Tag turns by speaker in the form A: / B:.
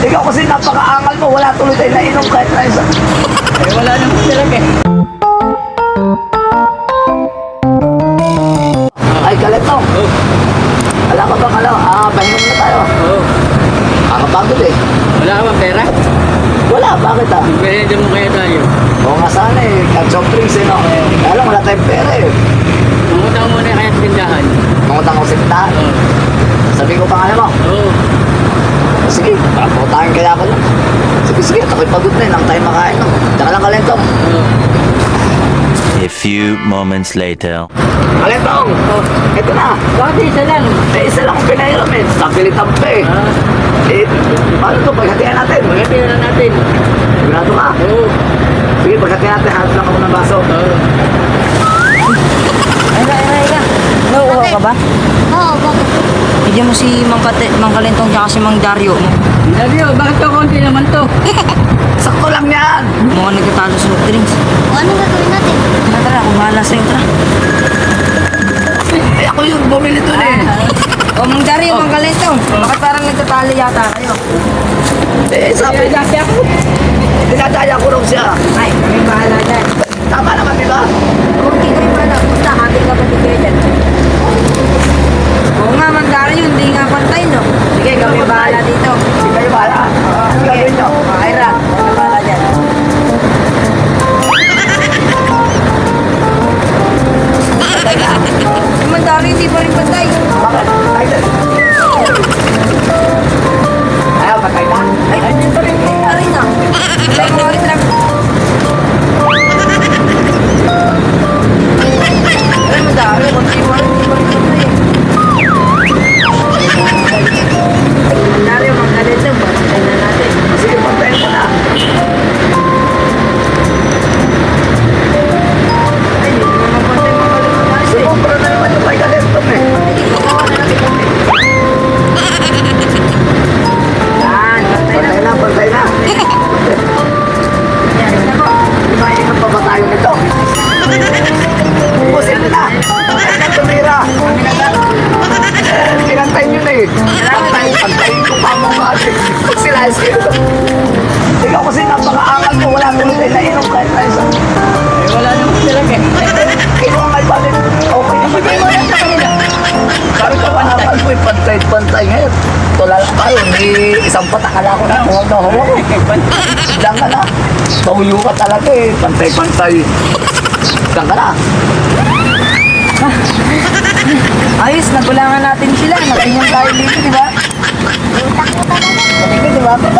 A: Ikaw kasi napakaangal mo, wala tuloy tayo nainom kahit na isa.
B: Eh, wala naman talaga eh.
A: Ay, Kaletong.
B: Oh.
A: Alam ka bang pahinga muna tayo.
B: Oh.
A: Kakapagod eh.
B: Wala ka bang pera?
A: Wala, bakit ah?
B: Magmerenda mo kaya tayo.
A: Oo nga sana eh, kahit soft drinks eh no. Kaya lang wala tayong pera eh.
B: Mangutang muna kaya sa tindahan.
A: Mangutang ako sa tindahan.
B: Oh.
A: Sabi ko pa nga mo.
B: Oh.
A: Sige, pakaputahin kaya ako lang. Sige, ako'y pagod na eh, lang tayo makain no. Tsaka lang Kalentong.
B: Oh.
C: A few moments later.
A: Kalentong! Ito na.
B: Bakit isa lang?
A: Eh, isa lang ang pinairam eh. Stabilitam pa eh.
B: Ah.
A: Eh, paano ito? Paghatihan natin.
B: Maganda na natin.
A: Sigurado ka.
B: Oo.
A: Sige, paghatihan natin. Hanap lang ako ng baso.
B: Oo.
D: Ayla. Nauuhaw ka ba?
E: Oo, bakit?
D: Bigyan mo si Mang Kalentong tsaka si Mang Dario.
B: Dario, bakit to konti naman to?
A: Sakto lang yan.
D: Mga nagtatalo sa soft drinks.
E: O, anong gagawin natin?
D: Tara, ako bahala sa'yo, tara.
A: Eh, ako yung bumili doon eh.
D: O, Mang Dario, Mang Kalentong. Bakit parang nagtatalo yata kayo?
A: Eh, sabi niya. Dinadaya ko raw siya.
D: Ay, kami bahala dyan.
A: Tama naman, di ba?
D: Kung hindi kayo bahala, basta hating ka pa ni kayo dyan. Oo nga, Mang Dario, hindi nga pantay, no? Sige, kami bahala dito.
A: Sige kayo bahala. Gagawin niyo.
D: Ayra, kami bahala dyan. Si Mang Dario, hindi pa rin pantay.
A: Bakit? Ay, ayaw, patay na.
D: Ay, andyan pa rin. Ay, na. Ay, sorry, trap. Ay, Mang Dario, konti mo rin, hindi pa rin pantay. Mang Dario, Mang Kalentong, pantay na natin.
A: Sige, patayin mo na.
D: Ay, hindi naman pantay, Mang Kalentong. Ayos eh.
A: Sumumpra na naman yung may Kalentong eh.
D: Ikaw na natin kami. Yan, pantay na.
A: Pantay na, pantay na.
D: Yan, isa po.
A: Mainam pa ba tayo nito? Ubusin na. Ay, na tumira. Pinantay nyo na eh. Pantayin ko pa mo ba? Pag sila ikaw kasi napakaangal mo, wala tuloy tayo nainom kahit na isa.
B: Eh, wala naman talaga eh.
A: Ikaw ang may balik. Okay naman.
B: Ibigay mo lang sa kanila.
A: Sabi ko pa naman ko, pantay ngayon. Tula lang tayo, may isang patakala ko na. Huwag na huwag. Diyan ka na. Pauyo ka talaga eh. Pantay. Diyan ka na.
D: Ayos, nagulangan natin sila. Nakinyang tayo dito, di ba?
A: Hindi, di ba?